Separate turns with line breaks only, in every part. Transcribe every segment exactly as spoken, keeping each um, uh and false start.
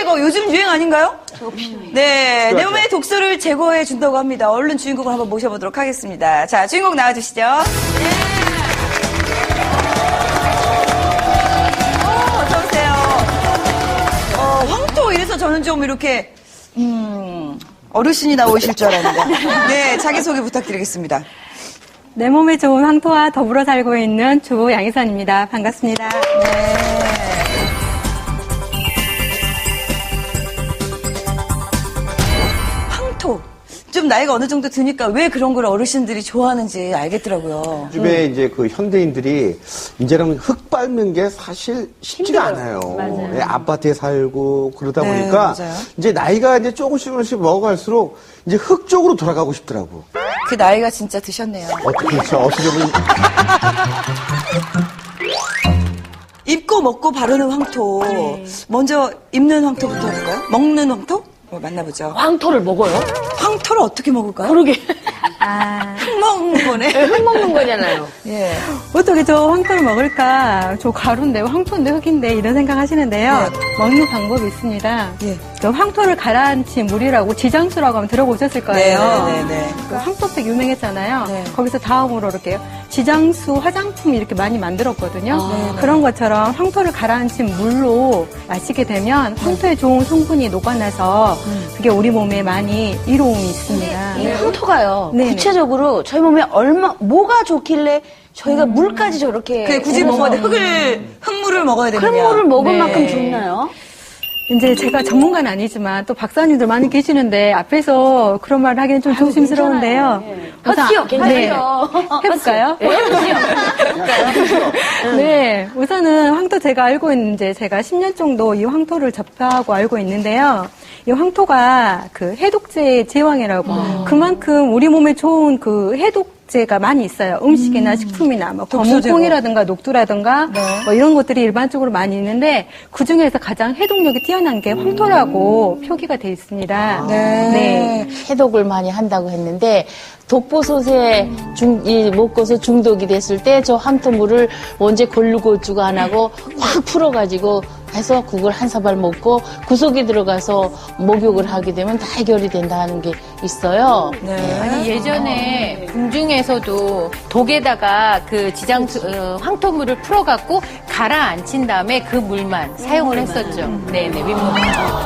제거 요즘 유행 아닌가요? 네, 내 몸의 독소를 제거해 준다고 합니다. 얼른 주인공을 한번 모셔보도록 하겠습니다. 자, 주인공 나와주시죠. 네. 어, 어서 오세요. 어, 황토 이래서 저는 좀 이렇게 음, 어르신이 나오실 줄 알았는데. 네, 자기소개 부탁드리겠습니다.
내 몸에 좋은 황토와 더불어 살고 있는 주부 양희선입니다. 반갑습니다.
네. 황토. 좀 나이가 어느 정도 드니까 왜 그런 걸 어르신들이 좋아하는지 알겠더라고요.
요즘에 음. 이제 그 현대인들이 이제는 흙 밟는 게 사실 쉽지가 힘들어요. 않아요. 맞아요. 네, 아파트에 살고 그러다
네,
보니까
맞아요.
이제 나이가 이제 조금씩 조금씩 먹어갈수록 이제 흙 쪽으로 돌아가고 싶더라고.
그 나이가 진짜 드셨네요.
어떻게 그렇죠? 어떻게 보면
입고 먹고 바르는 황토. 네. 먼저 입는 황토부터 할까요? 먹는 황토? 어, 만나보죠.
황토를 먹어요?
황토를 어떻게 먹을까요?
그러게.
아,
흙 먹는 거네.
네, 흙 먹는 거잖아요.
예.
어떻게 저 황토를 먹을까? 저 가루인데, 황토인데, 흙인데, 이런 생각 하시는데요.
네.
먹는 방법이 있습니다.
예.
저 황토를 가라앉힌 물이라고 지장수라고 하면 들어보셨을 거예요.
네, 네, 네.
그 황토팩 유명했잖아요.
네.
거기서 다음으로 이렇게 지장수 화장품 이렇게 많이 만들었거든요.
아, 네, 네.
그런 것처럼 황토를 가라앉힌 물로 마시게 되면 황토에 좋은 성분이 녹아나서
음.
그게 우리 몸에 많이 이로움이 있습니다.
이 황토가요.
네네.
구체적으로 저희 몸에 얼마 뭐가 좋길래 저희가
음.
물까지 저렇게
그게 굳이 먹어야 돼. 흙을, 흙물을 먹어야 되느냐.
흙물을 먹을
네.
만큼 좋나요?
이제 제가 전문가는 아니지만 또 박사님들 많이 계시는데 앞에서 그런 말을 하기는 좀 조심스러운데요.
헛수요, 괜찮아요.
네. 해볼까요?
네, 해보세요.
네, 우선은 황토 제가 알고 있는 이제 제가 십 년 정도 이 황토를 접하고 알고 있는데요. 이 황토가 그 해독제의 제왕이라고
음.
그만큼 우리 몸에 좋은 그 해독제가 많이 있어요. 음식이나
음.
식품이나 뭐
독소 제거.
검은콩이라든가 녹두라든가
네.
뭐 이런 것들이 일반적으로 많이 있는데 그 중에서 가장 해독력이 뛰어난 게 황토라고 표기가 돼 있습니다.
네.
네.
해독을 많이 한다고 했는데 독보솥에 중, 이 먹고서 중독이 됐을 때 저 황토물을 언제 골고루고 안 하고 확 풀어가지고 해서 그걸 한 사발 먹고 구석에 들어가서 목욕을 하게 되면 다 해결이 된다 하는 게 있어요.
네.
아니, 예전에 궁중에서도 독에다가 그 지장, 어, 황토물을 풀어갖고 가라앉힌 다음에 그 물만 사용을 했었죠. 네네, 윗몸.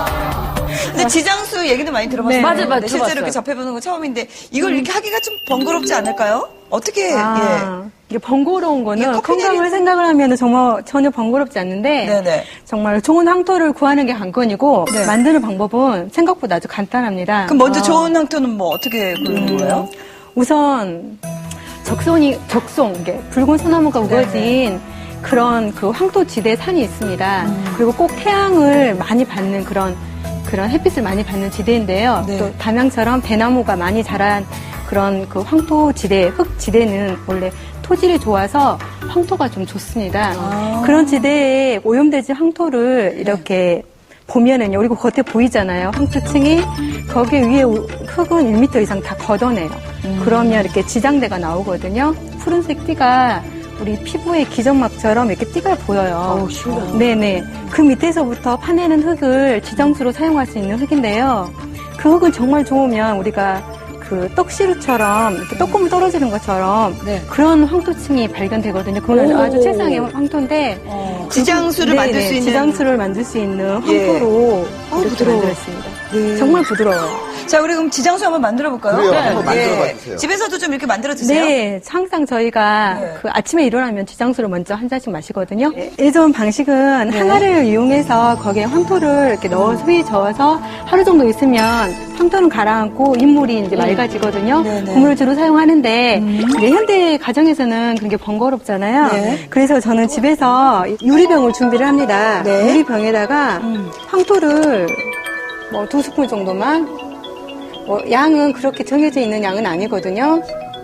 근데 지장수 얘기도 많이 들어봤어요.
네.
맞아요, 맞아요.
네, 실제로
들어봤어요.
이렇게 접해보는 건 처음인데 이걸 이렇게 하기가 좀 번거롭지 않을까요? 어떻게,
아, 이게 번거로운
이게
거는
커피
건강을
내리는-
생각을 하면 정말 전혀 번거롭지 않는데
네네.
정말 좋은 황토를 구하는 게 관건이고
네.
만드는 방법은 생각보다 아주 간단합니다.
그럼 먼저
아,
좋은 황토는 뭐 어떻게 고르는 거예요?
우선 적송이 적송 이게 붉은 소나무가 우거진 그런 그 황토 지대 산이 있습니다. 그리고 꼭 태양을 많이 받는 그런 그런 햇빛을 많이 받는 지대인데요.
네.
또 담양처럼 대나무가 많이 자란 그런 그 황토 지대, 흙 지대는 원래 토질이 좋아서 황토가 좀 좋습니다.
아.
그런 지대에 오염되지 황토를 이렇게 보면은요, 그리고 겉에 보이잖아요. 황토층이 거기 위에 흙은 일 미터 이상 다 걷어내요.
음.
그러면 이렇게 지장대가 나오거든요. 푸른색 띠가 우리 피부의 기점막처럼 이렇게 띠가 보여요.
어우, 신기하다.
네네. 그 밑에서부터 파내는 흙을 지장수로 사용할 수 있는 흙인데요. 그 흙은 정말 좋으면 우리가 그 떡시루처럼 이렇게 떡고물 떨어지는 것처럼
네.
그런 황토층이 발견되거든요. 그건
오.
아주 최상의 황토인데
지장수를
네네,
만들 수 있는.
지장수를 만들 수 있는
예.
황토로
어,
이렇게
부드러워.
만들었습니다.
예.
정말 부드러워요.
자, 우리 그럼 지장수 한번 만들어 볼까요?
그래요. 한번 만들어봐 주세요.
집에서도 좀 이렇게 만들어 드세요.
네, 항상 저희가
네.
그 아침에 일어나면 지장수를 먼저 한 잔씩 마시거든요. 예전 방식은 항아리를 이용해서 거기에 황토를 이렇게 넣어 수위 저어서 하루 정도 있으면 황토는 가라앉고 인물이 이제 맑아지거든요.
네, 네.
그 물을 주로 사용하는데 이제 현대 가정에서는 그런 게 번거롭잖아요.
네.
그래서 저는 집에서 유리병을 준비를 합니다.
네.
유리병에다가
음.
황토를 뭐 두 스푼 정도만 뭐 양은 그렇게 정해져 있는 양은 아니거든요.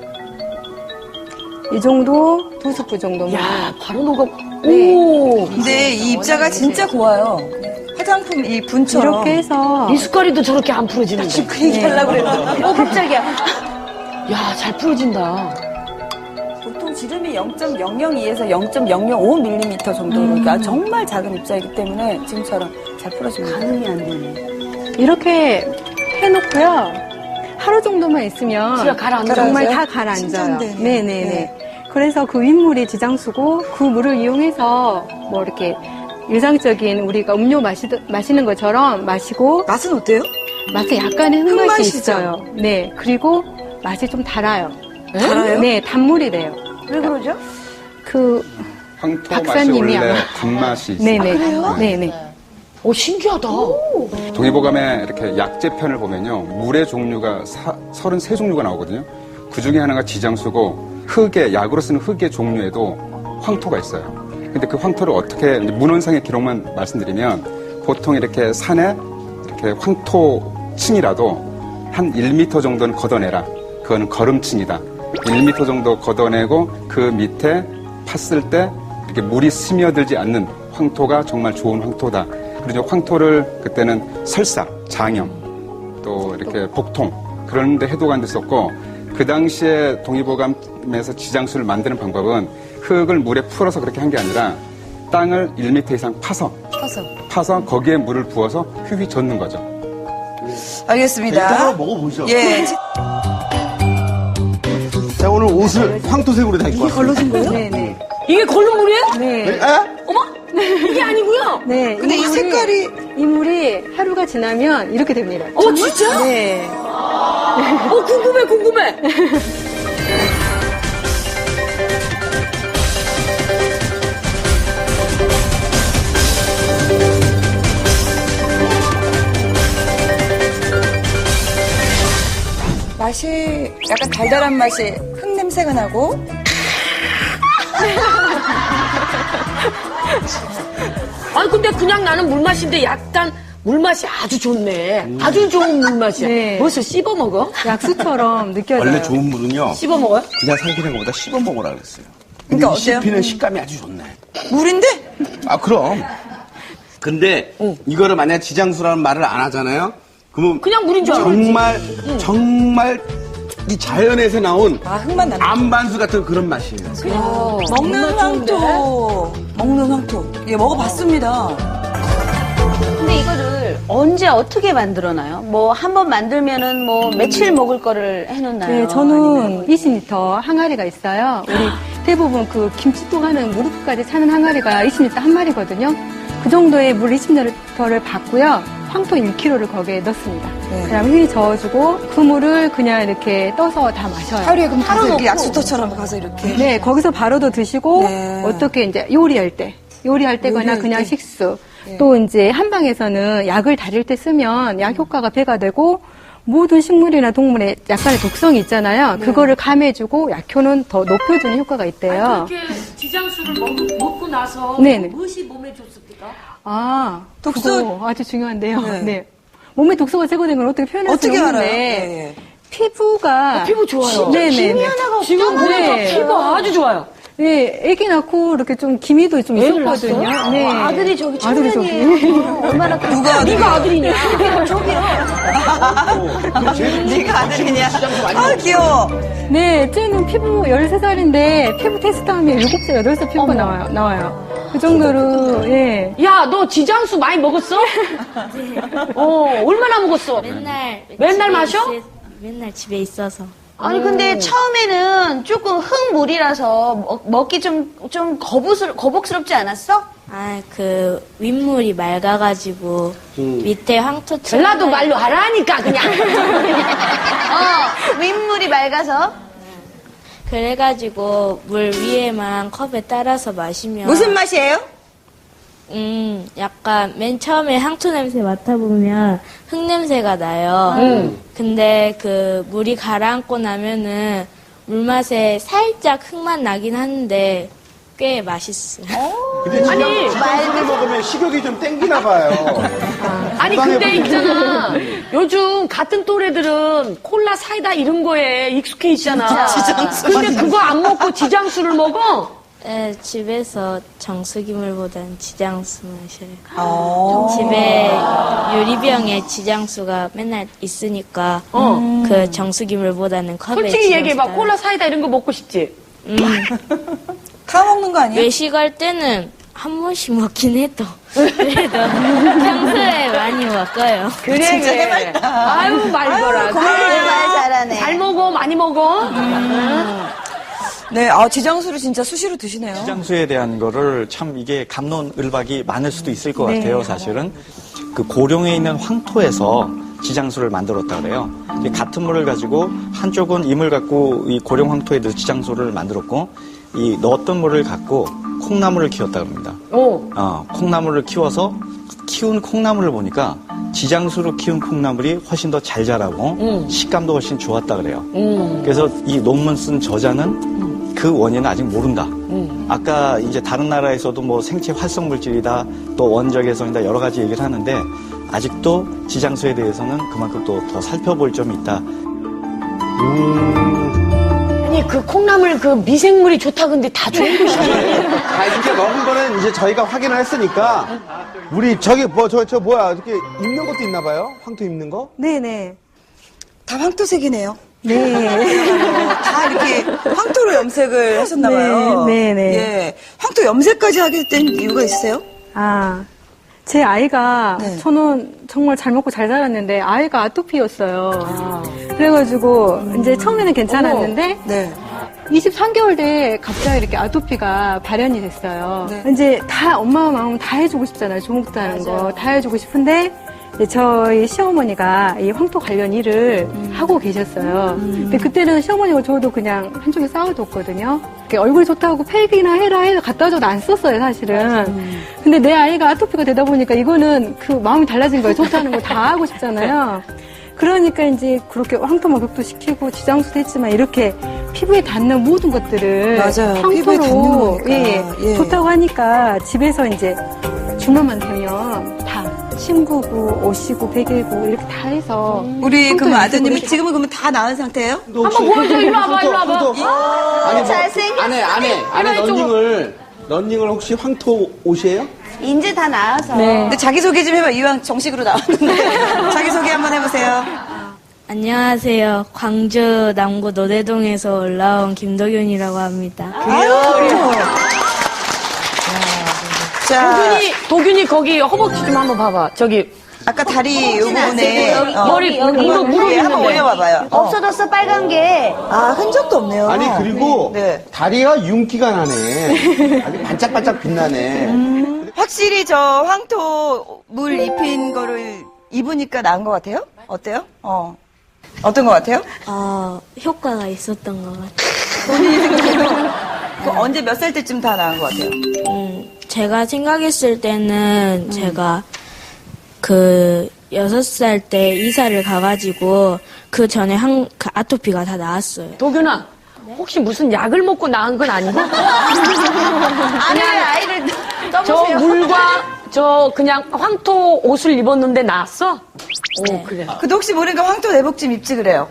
이 정도 두 스푼 정도만.
야, 바로 녹아.
네.
오.
근데 이 입자가 진짜 고와요. 화장품 이 분처럼.
이렇게 해서
미숫가루도 저렇게 안 풀어지는데.
지금 그 얘기 하려고 그랬는데.
어, 깜짝이야. 야, 잘 풀어진다.
보통
지름이 영 점 영영이에서 영 점 영영오 밀리미터 정도로 그러니까 정말 작은 입자이기 때문에 지금처럼 잘 풀어집니다. 가늠이 안 되네.
이렇게 해놓고요. 하루 정도만 있으면
진짜 가라앉아요?
정말 다 가라앉아요.
신선되네.
네네네.
네.
그래서 그 윗물이 지장수고 그 물을 이용해서 뭐 이렇게 일상적인 우리가 음료 마시, 마시는 것처럼 마시고
맛은 어때요?
맛에 약간의 흙맛이
흙맛이죠?
있어요. 네. 그리고 맛이 좀 달아요.
달아요?
네, 단물이 돼요.
왜 그러죠?
그
황토 맛이
박사님이
원래
아마-
단맛이 있어요.
네네. 네네.
오, 신기하다.
동의보감의 이렇게 약재편을 보면요. 물의 종류가 사, 서른세 종류가 나오거든요. 그 중에 하나가 지장수고 흙의, 약으로 쓰는 흙의 종류에도 황토가 있어요. 근데 그 황토를 어떻게, 이제 문헌상의 기록만 말씀드리면 보통 이렇게 산에 이렇게 황토층이라도 한 일 미터 정도는 걷어내라. 그거는 걸음층이다. 일 미터 정도 걷어내고 그 밑에 팠을 때 이렇게 물이 스며들지 않는 황토가 정말 좋은 황토다. 그리고 황토를 그때는 설사, 장염, 또 이렇게 복통 그런 데 해독한 데 썼고 그 당시에 동의보감에서 지장수를 만드는 방법은 흙을 물에 풀어서 그렇게 한 게 아니라 땅을 일 미터 이상 파서
파서.
파서 거기에 물을 부어서 휘휘 젓는 거죠.
알겠습니다.
이따가 먹어보죠.
예.
자, 오늘 옷을 황토색으로 다 입고 왔어요.
걸러진 거예요?
네네.
이게 걸른 물이에요?
네.
에?
이게 아니고요.
네.
근데 이
물이-
색깔이
이 물이 하루가 지나면 이렇게 됩니다.
어, 진짜?
네.
어, 궁금해, 궁금해.
맛이 약간 달달한 맛이 흙 냄새가 나고
아니, 근데 그냥 나는 물맛인데 약간 물맛이 아주 좋네. 아주 좋은 물맛이야.
네.
벌써 씹어 먹어?
약수처럼 느껴져요.
원래 좋은 물은요.
씹어 먹어요?
그냥 삼키는 것보다 씹어 먹으라 그랬어요.
그러니까
이
어때요?
씹히는 식감이 아주 좋네.
물인데?
아, 그럼. 근데 이거를 만약 지장수라는 말을 안 하잖아요. 그러면
그냥 물인 줄 알아.
정말 정말 이 자연에서 나온
아 흙만 난다.
암반수 같은 그런 맛이에요.
먹는 황토. 먹는 황토. 예, 먹어봤습니다.
근데 이거를 언제 어떻게 만들어놔요? 뭐 한 번 만들면은 뭐 며칠 먹을 거를 해놓나요?
네, 저는 이십 리터 항아리가 있어요. 우리 대부분 그 김치통 하는 무릎까지 차는 항아리가 이십 리터 한 마리거든요. 그 정도의 물 이십 리터를 받고요. 황토 일 킬로그램을 거기에 넣습니다.
네.
그다음에 휘 저어주고 그 물을 그냥 이렇게 떠서 다 마셔요.
하루에 그럼 가서 이렇게
넣고.
약수터처럼 가서 이렇게.
네, 거기서 바로도 드시고
네.
어떻게 이제 요리할 때, 요리할 때거나
요리할
그냥
때.
식수. 또 이제 한방에서는 약을 다릴 때 쓰면 약 효과가 배가 되고 모든 식물이나 동물에 약간의 독성이 있잖아요. 그거를 감해주고 약효는 더 높여주는 효과가 있대요.
그렇게 지장수를 먹, 먹고 나서
네네.
무엇이 몸에 좋습니까?
아,
독소-
독소 아주 중요한데요.
네.
네. 몸에 독소가 제거된 걸 어떻게 표현할 수
어떻게
없는데
알아요? 예, 예.
피부가
피부 좋아요.
네네.
지금 보니까
네.
피부 아주 좋아요.
네, 아기 낳고 이렇게 좀 기미도 좀
애를
있었거든요.
낳았어요?
네.
와, 아들이 저기
아들이 저기.
얼마나
누가 아들이야?
네가 아들이냐? 저기요.
네가 아들이냐? 아, 귀여워.
네, 쟤는 피부 열세 살인데 피부 테스트하면 일곱 살, 여덟 살 피부가 나와요. 나와요. 그 정도로, 예.
야, 너 지장수 많이 먹었어? 어, 얼마나 먹었어?
맨날
맨날
집에
마셔?
있을- 맨날 집에 있어서.
아니 근데 처음에는 조금 흙물이라서 먹, 먹기 좀 좀 거부스러 거북스럽지 않았어?
아, 그 윗물이 맑아가지고 밑에 황토
전라도 말로 하라니까 그냥.
어,
윗물이 맑아서.
그래가지고 물 위에만 컵에 따라서 마시면
무슨 맛이에요?
음, 약간 맨 처음에 향토 냄새 맡아보면 흙 냄새가 나요.
음.
근데 그 물이 가라앉고 나면은 물맛에 살짝 흙맛 나긴 하는데 꽤 맛있어요.
근데 지장수를 먹으면 식욕이 좀 땡기나 봐요.
아니 근데 있잖아. 요즘 같은 또래들은 콜라 사이다 이런 거에 익숙해 있잖아. 근데 그거 안 먹고 지장수를 먹어?
네, 집에서 정수기물보다는 지장수 마셔요.
어.
집에 유리병에 지장수가 맨날 있으니까 그 정수기물보다는 컵에
솔직히
지장수
얘기해봐.
따라-
콜라 사이다 이런 거 먹고 싶지?
음,
다 먹는 거 아니에요?
외식할 때는 한 번씩 먹긴 해도 그래도 평소에 많이 먹어요.
그래,
진짜
그래.
해맑다.
아유, 말거라.
고마워요. 말 잘하네.
잘 먹어, 많이 먹어.
네, 아, 지장수를 진짜 수시로 드시네요.
지장수에 대한 거를 참 이게 갑론을박이 많을 수도 있을 것 같아요, 사실은. 그 고령에 있는 황토에서 지장수를 만들었다 그래요. 이게 같은 물을 가지고 한쪽은 이물 갖고 이 고령 황토에 넣어 지장수를 만들었고 이 넣었던 물을 갖고 콩나물을 키웠다 그럽니다.
오.
어, 콩나물을 키워서 키운 콩나물을 보니까 지장수로 키운 콩나물이 훨씬 더 잘 자라고
음.
식감도 훨씬 좋았다 그래요.
음.
그래서 이 논문 쓴 저자는 그 원인은 아직 모른다.
음.
아까 이제 다른 나라에서도 뭐 생체 활성 물질이다, 또 원적 해성이다 여러 가지 얘기를 하는데 아직도 지장수에 대해서는 그만큼 또 더 살펴볼 점이 있다.
아니, 그 콩나물 그 미생물이 좋다 근데 다 좋은 것이잖아요.
아, 이렇게 먹은 거는 이제 저희가 확인을 했으니까 우리 저기 뭐 저 저 뭐야 이렇게 입는 것도 있나 봐요? 황토 입는 거?
네네.
다 황토색이네요.
네.
다 이렇게 황토로 염색을 하셨나봐요.
네, 네, 네.
예. 황토 염색까지 하게 된 이유가 있어요?
아, 제 아이가
네.
저는 정말 잘 먹고 잘 자랐는데 아이가 아토피였어요. 그래가지고 이제 처음에는 괜찮았는데
네.
이십삼 개월 돼 갑자기 이렇게 아토피가 발현이 됐어요.
네.
이제 다 엄마 마음 다 해주고 싶잖아요. 조목다는 거 다 해주고 싶은데 이제 저희 시어머니가 이 황토 관련 일을
음.
하고 계셨어요. 근데 그때는 시어머니가 저도 그냥 한쪽에 쌓아뒀거든요. 이렇게 얼굴이 좋다고 팩이나 해라 해서 갖다 줘도 안 썼어요, 사실은. 근데 내 아이가 아토피가 되다 보니까 이거는 그 마음이 달라진 거예요. 좋다는 거 다 하고 싶잖아요. 그러니까 이제 그렇게 황토 목욕도 시키고 지장수도 했지만 이렇게 피부에 닿는 모든 것들을
맞아요. 피부에 닿는
황토로
거니까.
예,
예.
좋다고 하니까 집에서 이제 주말만 되면 다 침구고 옷이고 베개고 이렇게 다 해서
우리
황토
그럼
염색으로
아드님이
이렇게
지금은 그러면 다 나은 상태예요?
한번 보여줘, 일로 와봐, 일로 와봐.
아니 뭐 안에 안에 안에 런닝을 런닝을 혹시 황토 옷이에요?
이제 다 나와서.
네.
근데 자기소개 좀 해봐. 이왕 정식으로 나왔는데. 자기소개 한번 해보세요.
안녕하세요. 광주 남구 노대동에서 올라온 김도균이라고 합니다.
자,
도균이, 도균이 거기 허벅지 좀 한번 봐봐. 저기,
아까 다리 요 부분에
여기,
어,
머리,
여기,
무릎,
여기.
무릎
예, 한번
있는데.
올려봐봐요. 어.
없어졌어, 빨간 게.
아, 흔적도 없네요.
아니 그리고
네.
다리가 윤기가 나네. 아주 반짝반짝 빛나네.
확실히 저 황토 물 입힌 거를 입으니까 나은 것 같아요? 어때요? 어. 어떤 것 같아요?
어, 효과가 있었던 것 같아요.
그 언제 몇 살 때쯤 다 나은 것 같아요?
음, 제가 생각했을 때는 제가 그 여섯 살 때 이사를 가가지고 그 전에 한, 그 아토피가 다 나았어요.
도균아, 혹시 무슨 약을 먹고 나은 건 아니고?
아니를 아이를
저
떠보세요.
물과 저 그냥 황토 옷을 입었는데 나았어? 오,
네.
그래.
근데 혹시 모르니까 황토 내복 좀 입지 그래요?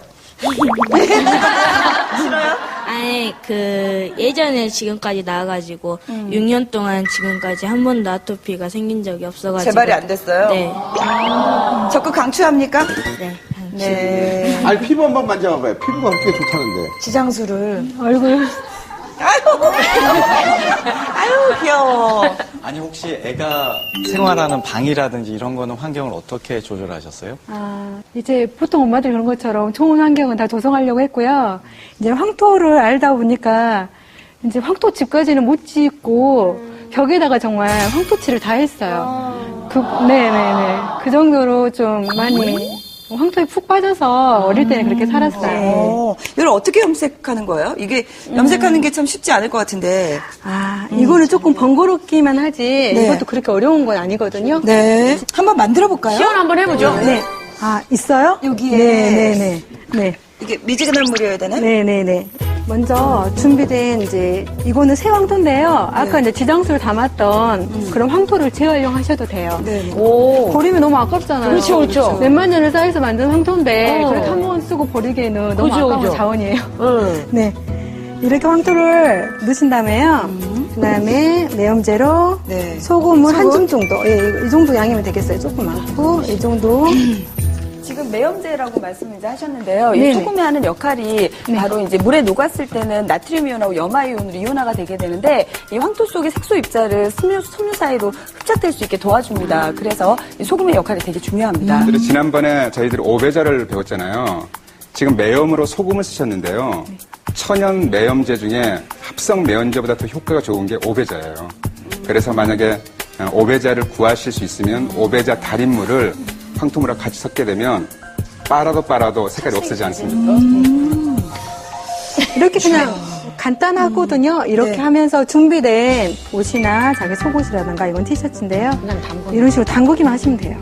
싫어요?
아니, 그, 예전에 지금까지 나와가지고, 육 년 동안 지금까지 한 번도 아토피가 생긴 적이 없어가지고.
재발이 안 됐어요?
네.
적극 강추합니까?
네.
네.
아니 피부 한번 만져봐봐요. 피부가 그렇게 좋다는데.
지장수를.
얼굴
아유, 아유, 귀여워.
아니 혹시 애가 생활하는 방이라든지 이런 거는 환경을 어떻게 조절하셨어요?
아, 이제 보통 엄마들 그런 것처럼 좋은 환경은 다 조성하려고 했고요. 이제 황토를 알다 보니까 이제 황토 집까지는 못 짓고 벽에다가 정말 황토칠을 다 했어요. 그, 네네네. 그 정도로 좀 많이 황토에 푹 빠져서 어릴 때는 그렇게 살았어요.
어, 이걸 어떻게 염색하는 거예요? 이게 염색하는 게 참 쉽지 않을 것 같은데.
아, 이거는 조금 번거롭기만 하지
네.
이것도 그렇게 어려운 건 아니거든요.
네. 한번 만들어 볼까요?
시연 한번 해보죠.
네. 아, 있어요?
여기에.
네네네. 네.
이게 미지근한 물이어야 되나?
네네네. 먼저 준비된 이제 이거는 새 황토인데요. 아까 이제 지장수를 담았던 그런 황토를 재활용하셔도 돼요.
네.
오.
버리면 너무 아깝잖아요.
그렇죠, 그렇죠.
몇만 년을 쌓여서 만든 황토인데
어.
그렇게 한 번 쓰고 버리기에는 너무
그죠,
아까운
그죠.
자원이에요.
응.
네. 이렇게 황토를 넣으신 다음에요. 그 다음에 내염제로
네.
소금을 한
소금?
줌 정도. 예, 이 정도 양이면 되겠어요. 조금 많고, 이 정도.
지금 매염제라고 말씀을 이제 하셨는데요. 이
네네.
소금이 하는 역할이
네.
바로 이제 물에 녹았을 때는 나트륨 이온하고 염화 이온으로 이온화가 되게 되는데 이 황토 속의 색소 입자를 섬유, 섬유 사이로 흡착될 수 있게 도와줍니다. 그래서 이 소금의 역할이 되게 중요합니다.
그리고 지난번에 저희들이 오배자를 배웠잖아요. 지금 매염으로 소금을 쓰셨는데요. 천연 매염제 중에 합성 매염제보다 더 효과가 좋은 게 오배자예요. 그래서 만약에 오배자를 구하실 수 있으면 오배자 달인물을 황토물하고 같이 섞게 되면 빨아도 빨아도 색깔이 없어지지 않습니까?
음. 이렇게 그냥 간단하거든요. 이렇게
네.
하면서 준비된 옷이나 자기 속옷이라든가 이건 티셔츠인데요. 이런 식으로 담그기만 하시면 돼요.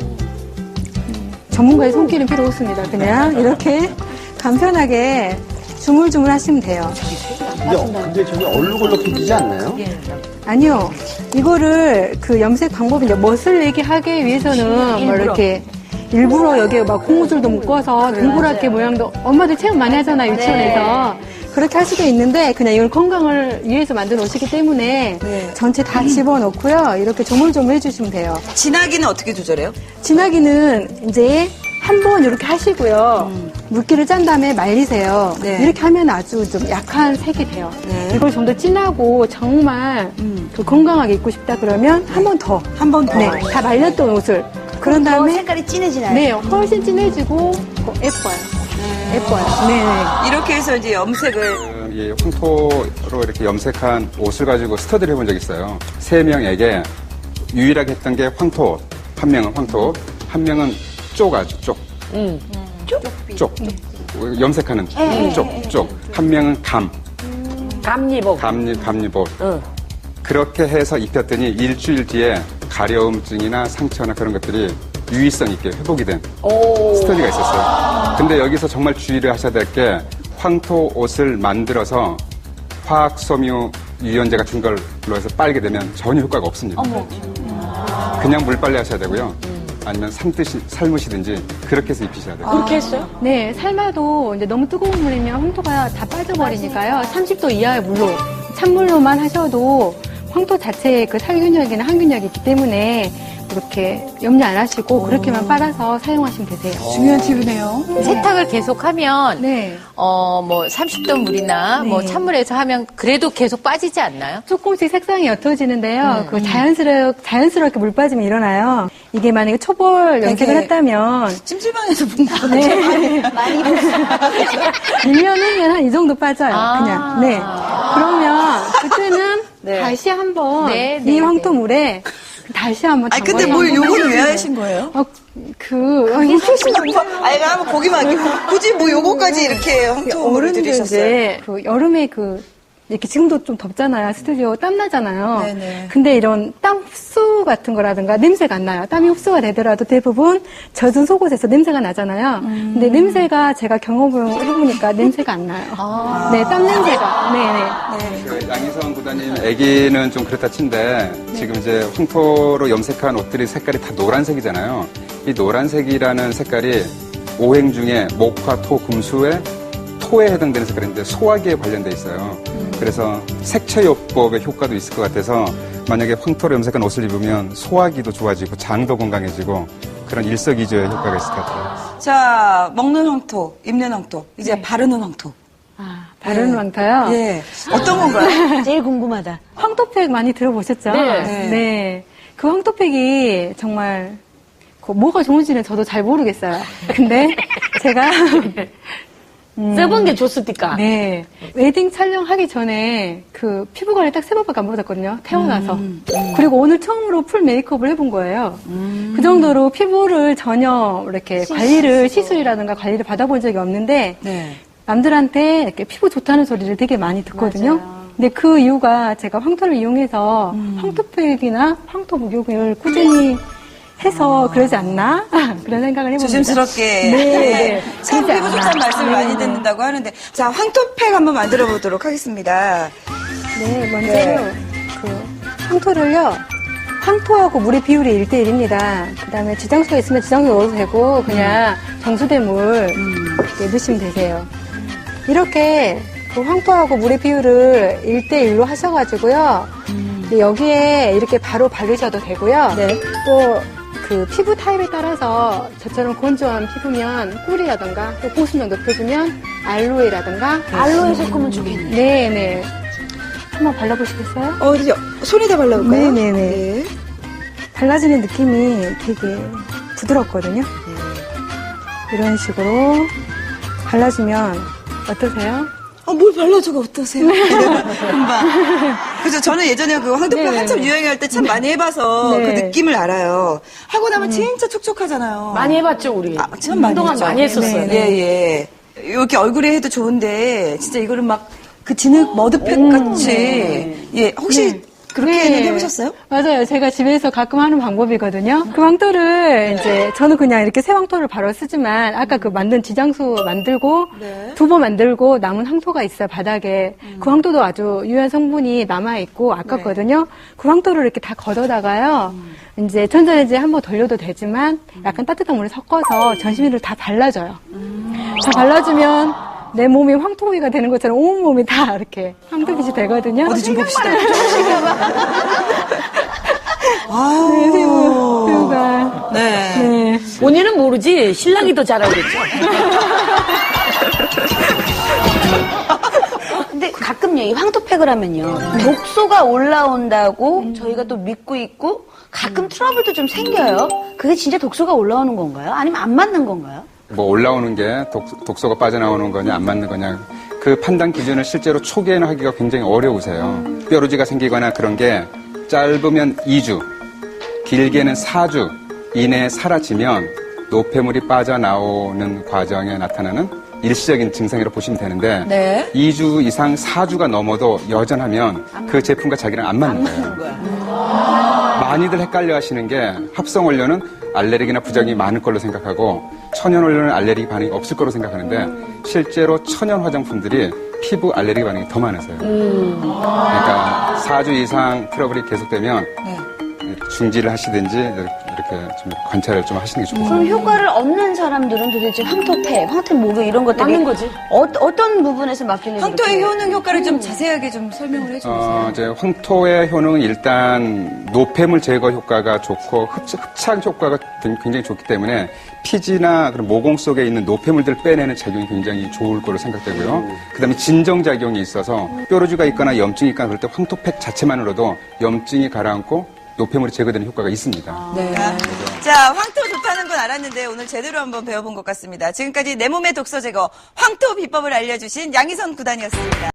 음, 전문가의 손길은 필요 없습니다. 그냥 이렇게 간편하게 주물주물 하시면 돼요.
근데, 근데 저게 얼룩얼룩해지지 않나요?
아니요. 이거를 그 염색 방법이 이제 멋을 내게 하기 위해서는 뭐 이렇게 일부러 여기에 막 고무줄도 묶어서 동그랗게 모양도 엄마들 체험 많이 하잖아요, 유치원에서. 그렇게 할 수도 있는데 그냥 이걸 건강을 위해서 만든 옷이기 때문에
네.
전체 다 집어넣고요. 이렇게 조물조물 해주시면 돼요.
진하기는 어떻게 조절해요?
진하기는 이제 한 번 이렇게 하시고요. 물기를 짠 다음에 말리세요.
네.
이렇게 하면 아주 좀 약한 색이 돼요.
네.
이걸 좀 더 진하고 정말 더 건강하게 입고 싶다 그러면 한 번 더.
한 번 더.
네, 다 말렸던 옷을. 그런 다음에
색깔이 진해지나요?
네, 훨씬 진해지고 더 예뻐요. 예뻐요. 네, 네.
이렇게 해서 이제 염색을
그, 이 황토로 이렇게 염색한 옷을 가지고 스터디를 해본 적이 있어요. 세 명에게 유일하게 했던 게 황토, 한 명은 황토, 한 명은 쪽 아주 쪽.
음.
쪽? 쪽. 염색하는 쪽, 쪽. 한 명은 감,
감리복.
감리, 감리복.
응.
그렇게 해서 입혔더니 일주일 뒤에 가려움증이나 상처나 그런 것들이 유의성 있게 회복이 된
오.
스터디가 있었어요. 근데 여기서 정말 주의를 하셔야 될 게 황토 옷을 만들어서 화학섬유 유연제 같은 걸로 해서 빨게 되면 전혀 효과가 없습니다. 그냥 물빨래 하셔야 되고요. 아니면 삶듯이, 삶으시든지 그렇게 해서 입히셔야 돼요.
그렇게 했어요?
네, 삶아도 이제 너무 뜨거운 물이면 황토가 다 빠져버리니까요. 삼십 도 이하의 물로, 찬물로만 하셔도 황토 자체에 그 살균력이나 항균력이 있기 때문에 이렇게 염려 안 하시고 그렇게만 빨아서 사용하시면 되세요.
중요한 팁이네요.
세탁을 계속하면
네.
어 뭐 삼십 도 물이나
네.
뭐 찬물에서 하면 그래도 계속 빠지지 않나요?
조금씩 색상이 옅어지는데요. 그 자연스러, 자연스럽게 물 빠짐이 일어나요. 이게 만약에 초벌 염색을
되게
했다면
찜질방에서 본 거 같아요.
네. 일 년 후면 한 이 정도 빠져요.
아.
그냥. 네. 그러면 그때는
네.
다시 한번
네,
이
네,
황토물에 다시 한번
아니 근데 뭘 요거는 왜 하신 거예요?
어, 그 어, 인fusion
아니 한번 보기만 할게요. 굳이 뭐 요거까지 이렇게 황토물을
어른들
들이셨어요?
이제 그 여름에 그 이렇게 지금도 좀 덥잖아요. 스튜디오 땀 나잖아요.
네네.
근데 이런 땀 흡수 같은 거라든가 냄새가 안 나요. 땀이 흡수가 되더라도 대부분 젖은 속옷에서 냄새가 나잖아요.
음.
근데 냄새가 제가 경험을 해보니까 냄새가 안 나요.
아.
네, 땀 냄새가. 네네.
그 양희성 구단님 애기는 좀 그렇다 친데 지금 이제 황토로 염색한 옷들이 색깔이 다 노란색이잖아요. 이 노란색이라는 색깔이 오행 중에 목화, 토, 금수의 토에 해당되는 색깔인데 소화기에 관련돼 있어요. 그래서 색채요법의 효과도 있을 것 같아서 만약에 황토로 염색한 옷을 입으면 소화기도 좋아지고 장도 건강해지고 그런 일석이조의 효과가 있을 것 같아요.
자, 먹는 황토, 입는 황토, 이제
네.
바르는 황토.
아, 바르는
네.
황토요?
예. 어떤 건가요?
제일 궁금하다.
황토팩 많이 들어보셨죠?
네.
네. 그 황토팩이 정말 그 뭐가 좋은지는 저도 잘 모르겠어요. 근데 제가
써본 게 좋습니까?
네. 웨딩 촬영하기 전에 그 피부 관리 딱 세 번밖에 안 받았거든요. 태어나서. 그리고 오늘 처음으로 풀 메이크업을 해본 거예요. 그 정도로 피부를 전혀 이렇게 관리를, 시술이라든가 관리를 받아본 적이 없는데,
네.
남들한테 이렇게 피부 좋다는 소리를 되게 많이 듣거든요. 근데 그 이유가 제가 황토를 이용해서 황토팩이나 황토 목욕을 꾸준히 해서 그러지 않나? 그런 생각을 해봅니다.
조심스럽게.
네. 네.
참
그러지
피부
않나.
좋다는 말씀을 많이
네.
듣는다고 하는데. 자, 황토팩 한번 만들어 보도록 하겠습니다.
네, 먼저
네.
그 황토를요. 황토하고 물의 비율이 일 대 일입니다. 그 다음에 지장수가 있으면 지장수 넣어도 되고, 그냥 정수된 물 이렇게 넣으시면 되세요. 이렇게 그 황토하고 물의 비율을 일 대 일로 하셔가지고요. 근데 여기에 이렇게 바로 바르셔도 되고요.
네.
또 그 피부 타입에 따라서 저처럼 건조한 피부면 꿀이라던가 또 보습력 높여주면 알로에라던가
알로에 섞으면 좋겠네요.
네네. 한번 발라보시겠어요?
어, 이제 손에다 발라볼까요?
네네네.
네.
발라지는 느낌이 되게 부드럽거든요. 이런 식으로 발라주면 어떠세요?
아, 뭘 발라줘가 어떠세요? 금방. 그래서 저는 예전에 그 황토표
네네네.
한참 유행할 때 참 많이 해봐서
네.
그 느낌을 알아요. 하고 나면 진짜 촉촉하잖아요.
많이 해봤죠, 우리.
아, 참 많이
한동안
했죠.
많이 했었어요.
예, 예. 이렇게 얼굴에 해도 좋은데, 진짜 이거를 막 그 진흙 머드팩 같이. 예, 혹시
네.
그렇게는
네.
해보셨어요?
맞아요. 제가 집에서 가끔 하는 방법이거든요. 그 황토를 이제 저는 그냥 이렇게 새 황토를 바로 쓰지만 아까 그 만든 지장수 만들고
네.
두 번 만들고 남은 황토가 있어요, 바닥에. 그 황토도 아주 유효한 성분이 남아있고 아깝거든요. 그 황토를 이렇게 다 걷어다가요. 이제 전자레인지에 한번 돌려도 되지만 약간 따뜻한 물에 섞어서 전신 위를 다 발라줘요. 다 발라주면 내 몸이 황토위가 되는 것처럼 온 몸이 다 이렇게 황토빛이 되거든요.
어디 좀 봅시다.
아, 네, 새우, 새우가.
네.
네.
본인은 모르지, 신랑이 더 잘 알겠죠.
근데 가끔 이 황토팩을 하면요. 독소가 올라온다고 저희가 또 믿고 있고 가끔 트러블도 좀 생겨요. 그게 진짜 독소가 올라오는 건가요? 아니면 안 맞는 건가요?
뭐 올라오는 게 독, 독소가 빠져나오는 거냐 안 맞는 거냐 그 판단 기준을 실제로 초기에는 하기가 굉장히 어려우세요. 뾰루지가 생기거나 그런 게 짧으면 이 주, 길게는 사 주 이내에 사라지면 노폐물이 빠져나오는 과정에 나타나는 일시적인 증상이라고 보시면 되는데
네.
이 주 이상 사 주가 넘어도 여전하면 그 제품과 자기랑 안 맞는 거예요. 많이들 헷갈려 하시는 게 합성 원료는 알레르기나 부작용이 많을 걸로 생각하고 천연 원료는 알레르기 반응이 없을 거로 생각하는데 실제로 천연 화장품들이 피부 알레르기 반응이 더 많으세요. 그러니까 사 주 이상 트러블이 계속되면 중지를 하시든지 이렇게 좀 관찰을 좀 하시는 게 좋겠어요.
그럼 효과를 얻는 사람들은 도대체 황토팩, 황토 목욕 이런 것들이
맞는 거지.
어, 어떤 부분에서 맡기는지
황토의
그렇게.
효능 효과를 좀 자세하게 좀 설명을 해주세요.
어, 이제 황토의 효능은 일단 노폐물 제거 효과가 좋고 흡착, 흡착 효과가 굉장히 좋기 때문에 피지나 그런 모공 속에 있는 노폐물들을 빼내는 작용이 굉장히 좋을 거로 생각되고요. 그다음에 진정 작용이 있어서 뾰루지가 있거나 염증이 있거나 그럴 때 황토팩 자체만으로도 염증이 가라앉고 노폐물이 제거되는 효과가 있습니다.
네. 자, 황토 좋다는 건 알았는데 오늘 제대로 한번 배워본 것 같습니다. 지금까지 내 몸의 독소 제거 황토 비법을 알려주신 양희선 구단이었습니다.